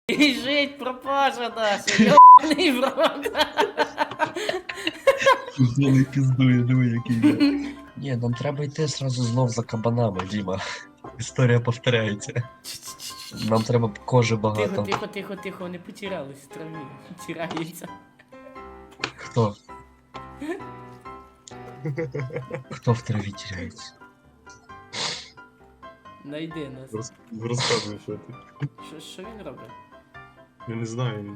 Біжить пропажа наша, йобаний в рот. Злий піздує, диви, який я. Ні, нам треба йти сразу знов за кабанами, Діма. Історія повторяється. Нам треба кожи Тихо, багато. тихо, тихо, тихо, вони потерялись в траві. Тираються. Хто? Хто в траві тіряється? Найди нас. Розказуй, що ти. Що він робить? Я не знаю.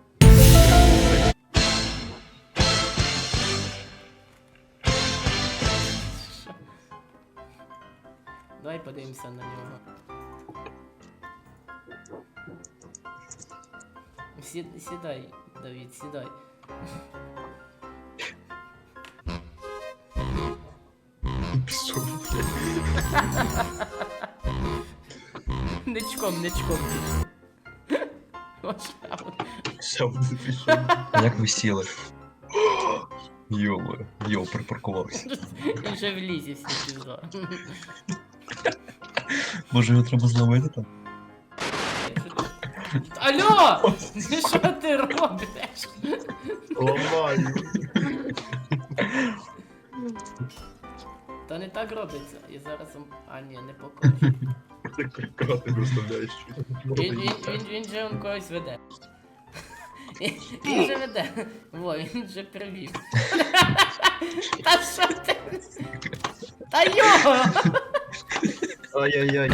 Що? Давай подивимося на нього. Сідай, Давід, сідай. Пішов. Ничком, ничком. Ще буде пішов. Як ви сіли? Йо, припаркувався. Він вже в лісі всі пізда. Може його треба зловити там? Алло! Що ти робиш? Ламаю. Та не так робиться. І зараз... А ні, не покажу. Ти крати доставляєш. Він же он когось веде. Він же веде. Во, він же привів. Та що ти? Та йо! Ай-яй-яй.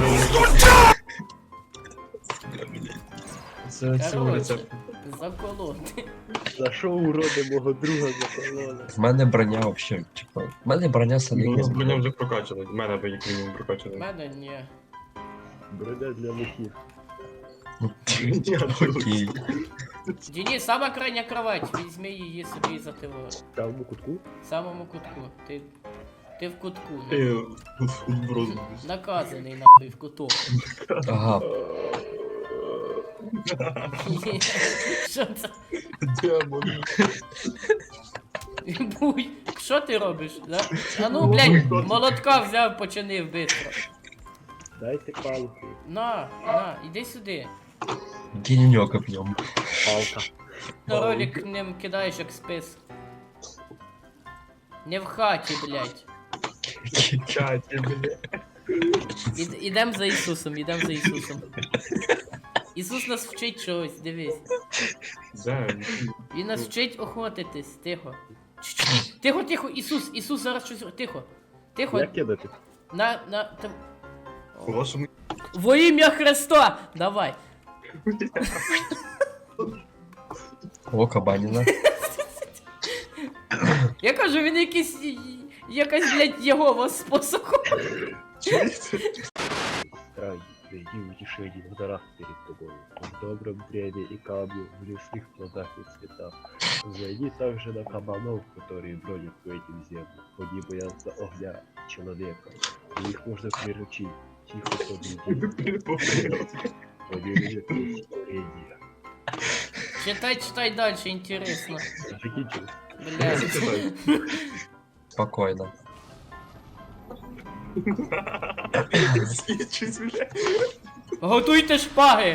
Це цього Короче, рецепту. заколоти. За що уроди мого друга закололи? В мене броня вообще, типа. В мене броня Ну, самі. у нас броня вже прокачана. В мене би як мінімум В прокачана. мене ні. Броня для лихів. Окей. Денис, сама крайня кровать. Візьми її собі за тило. В правому кутку? В самому кутку. Ти в кутку. Ти в розумі. Наказаний нахуй в куток. Ага. Що це? Демон. Буй, що ти робиш? Да? А ну, блядь, молотка взяв, починив бистро. Дайте палку. На, іди сюди. Гіньок оп'єм. Палка. На ролик ним кидаєш як спис. Не в хаті, блядь. Чаті, бля. Ідем за Ісусом, ідем за Ісусом. Ісус нас вчить чогось, дивись. Де? Він нас вчить охотитись, тихо. Тихо, тихо, Ісус зараз щось. Тихо. Тихо. Як кидати? Там... У вашому... Во ім'я Христа! Давай. О, кабаніна. Я кажу, він якась, блядь, Єгова з посохом. Край, найди утешение в горах перед тобой, в добром древе и камне, в лесных плодах и цветах. Взойди также на кабанов, которые бродят по этим землям. Они боятся огня человека, и их можно приручить. Тихо победи. Они любят творение. Читай дальше, интересно. Закінчили. Блядь. Спокойно. Свідчись, бля. Готуйте шпаги!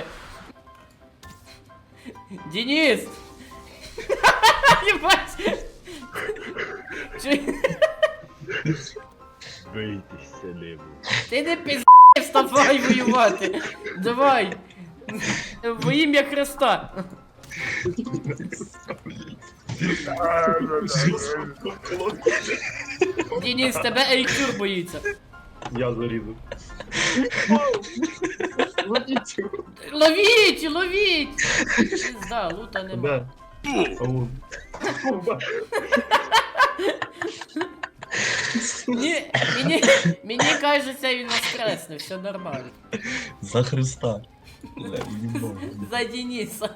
Денис! Єбать! Бийтеся ними. Ти не пізди, вставай воювати! Давай! Во ім'я Христа! Денис, тебе Ейкюр боїться! Я зарізав. Ловіть! Пизда, лута нема. Де? Ау. Мені кажеться, він воскресне, все нормально. За Христа. Бля, їбало. За Дениса.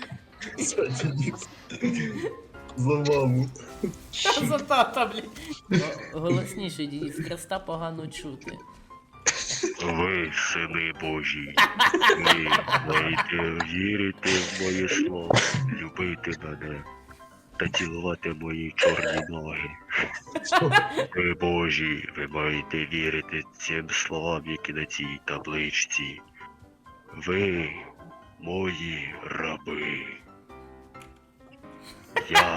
За маму. За тата, блін. Голосніше, Денис, Христа погано чути. Ви, сини Божі, ви маєте вірити в моє слово, любити мене та цілувати мої чорні ноги. Ви Божі, ви маєте вірити цим словам, які на цій табличці. Ви мої раби. Я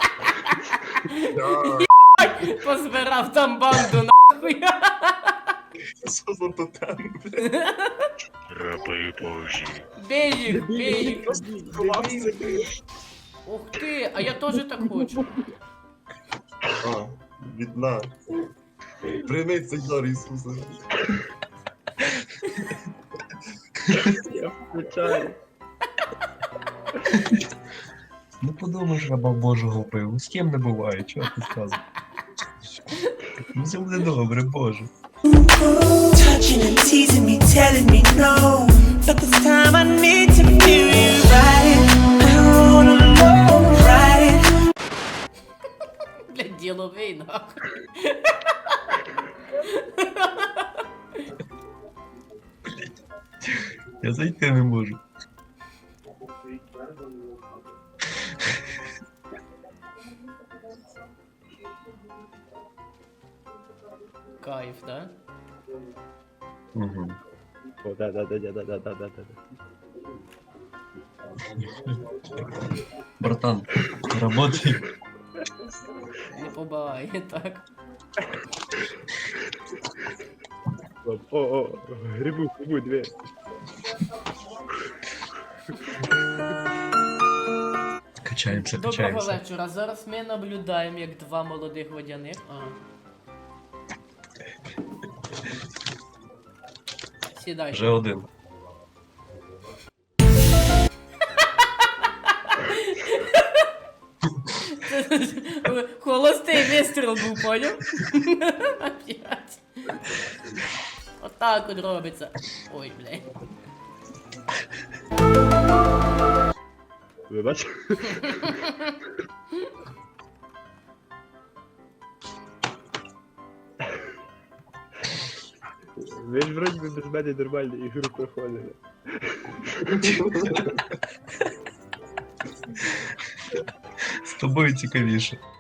Позбирав там банду нахуй. Що за тотем, блядь? раби Божі. Бей їх, бей їх. Ховався. Ух ти, а я теж так хочу. А, відна. Прийми цей дар Ісуса. Я включаю. Ну подумаєш, раба Божого вбив. З ким не буває, чого ти сказав? Ну все буде добре, Боже. Touching and teasing me, telling me no. But this time I need to feel you riding. I wanna know, riding. Блядь, діловий нахуй. Я зайти не можу. Кайф, да? Угу. О, да. Братан, работай. Не побагає, так. О, грибу, две. Качаємося, Доброго качаємося. вечора. Зараз ми наблюдаємо, як два молодих водяних. Сідай. Вже один. Холостий вистріл був, поняв? Опять. Отак от робиться. Ой, блядь. Вибач. Ви ж вроді би без мене нормально ігру проходили. З тобою цікавіше.